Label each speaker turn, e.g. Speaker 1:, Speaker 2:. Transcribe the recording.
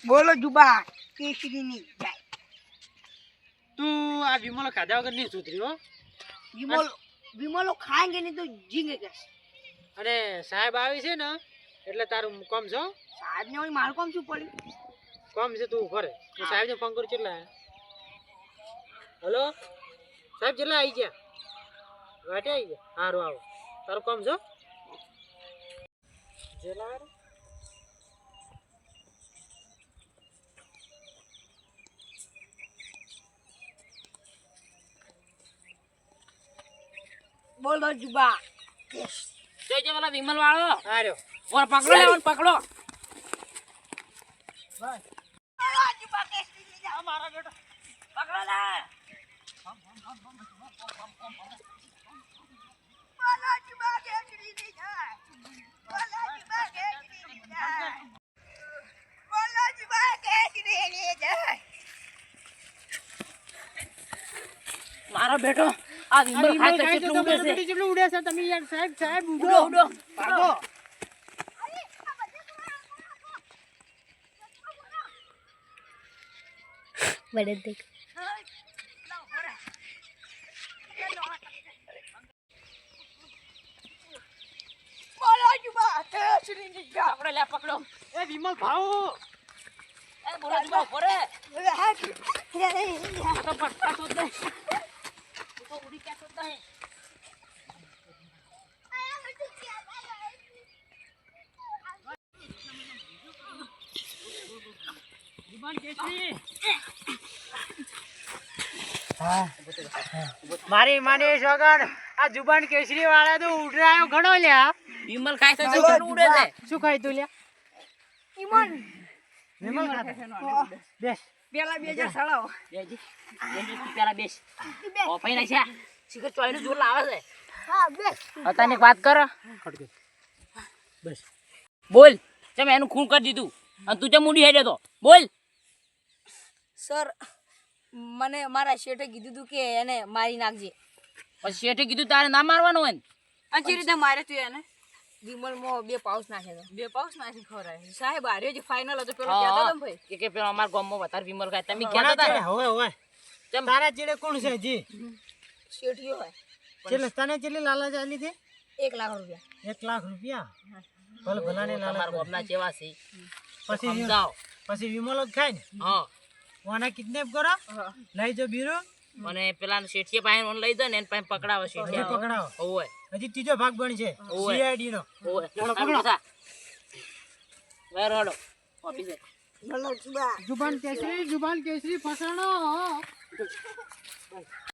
Speaker 1: બોલો જુબા કેસરીની જાય.
Speaker 2: તું આ વિમલો ખાધા વગર નહીં સુધરી હો.
Speaker 1: વિમલો ખાएंगे नहीं तो जींगे कैसे?
Speaker 2: અને સાહેબ આવી છે ને એટલે તારું કોમ છો.
Speaker 1: સાહેબ ને ઓય મારું કામ શું પડ્યું?
Speaker 2: કોમ છે તું ઉભો રે. હું સાહેબને ફોન કરું કેટલા. હેલો સાહેબ કેટલા આવી ગયા? વાટે આવી ગયા. સારું આવો. તારું કોમ છો જેલા.
Speaker 1: બોલો જુબા.
Speaker 3: જોઈજે પેલા વિમલ વાળો.
Speaker 2: આર્યો
Speaker 3: ઓર પકડો લે, ઓર પકડો.
Speaker 2: ભાઈ
Speaker 1: બોલો જુબા કેસરીની જાય.
Speaker 2: મારા બેટા
Speaker 3: પકડો લે.
Speaker 1: બોલો જુબા કેસરીની જાય. બોલો જુબા કેસરીની જાય. બોલો જુબા કેસરીની જાય.
Speaker 3: મારો બેટો આ વિમલ ખાય તો કેટલું ઉડે છે.
Speaker 2: કેટલું ઉડે છે તમે યાર. સાહેબ સાહેબ
Speaker 3: ઉડો ઉડો.
Speaker 2: ભાગો.
Speaker 4: બડે દેખ
Speaker 1: બોલો જુબા કેસરીની જાય.
Speaker 3: પકડો લે, પકડો.
Speaker 2: એ વિમલ ભાવો.
Speaker 3: એ બોલો જુબા ઉભો રે.
Speaker 1: બોલો હા.
Speaker 3: આ તો પટકા તો દે. તું તો ઉડી ક્યાં તો દે.
Speaker 2: જુબાન કેસરી. મારી માની સોગન આ જુબાન કેસરી વાળા તો ઉડરાયો ઘણો લ્યા.
Speaker 3: વિમલ ખાય તો કેટલું ઉડે છે.
Speaker 2: શું ખાય તું લ્યા?
Speaker 1: ઈમન
Speaker 2: વિમલ ખાતા. બેસ.
Speaker 1: પેલા 2000 સળાવો.
Speaker 3: બેજી તું પેલા બેસ. ઓ ભાઈ ના છે શિખર ચોઈનું જોર લાવે છે.
Speaker 1: હા બેસ.
Speaker 3: અત્યારની એક વાત કરો.
Speaker 2: ખડકે બસ.
Speaker 3: બોલ તમે એનું ખૂન કરી દીધું અને તું ચમ મૂડી હેડ્યો તો. બોલ.
Speaker 4: સર મને મારા શેઠે કીધું હતું કે એને મારી નાખજે.
Speaker 3: પછી શેઠે કીધું તારે ના મારવાનું હોય ને.
Speaker 4: આ જે રીતે મારે તું એને વિમલ મો 2 પાઉસ નાખે તો 2 પાઉસ નાખી ખવરાય. સાહેબ આર્યો જે ફાઇનલ હતો પેલો કહેતો હતો ને ભાઈ
Speaker 3: કે પેલો અમાર ગામમાં વધારે વિમલ ખાય. તમે
Speaker 2: કોના
Speaker 3: કહેતા
Speaker 2: ચેડે?
Speaker 3: હતા
Speaker 2: હવે હવે
Speaker 3: ચમ
Speaker 2: તારા ચેડે કોણ છે જી?
Speaker 4: શેઠિયો હોય
Speaker 2: ચેલે તને ચેલી લાલચ આલી છે?
Speaker 4: 1 લાખ રૂપિયા.
Speaker 2: 1 લાખ રૂપિયા. ભલે ભલાને
Speaker 3: તમારા
Speaker 2: લાલચ.
Speaker 3: ગામના જેવા છે
Speaker 2: પછી
Speaker 3: સમજાવો.
Speaker 2: પછી વિમલો જ ખાય ને.
Speaker 3: હા
Speaker 2: ઓના કિડનેપ કરો લઈ જો બીરો
Speaker 3: અને પેલા શેઠિયા પાસે ઓન લઈ જાય ને એને પાસે પકડાવે
Speaker 2: હજી
Speaker 3: શેઠિયા.
Speaker 2: પકડાવો.
Speaker 3: ઓય
Speaker 2: હજી ત્રીજો ભાગ બનશે
Speaker 3: ઓવે.
Speaker 2: સીઆઈડી નો.
Speaker 3: ઓય
Speaker 2: ચાલો,
Speaker 3: પકડો
Speaker 2: પકડો.
Speaker 3: વેર રોડો ઓફિસે.
Speaker 1: બોલો જુબા.
Speaker 2: જુબાન કેસરી ફસાણો.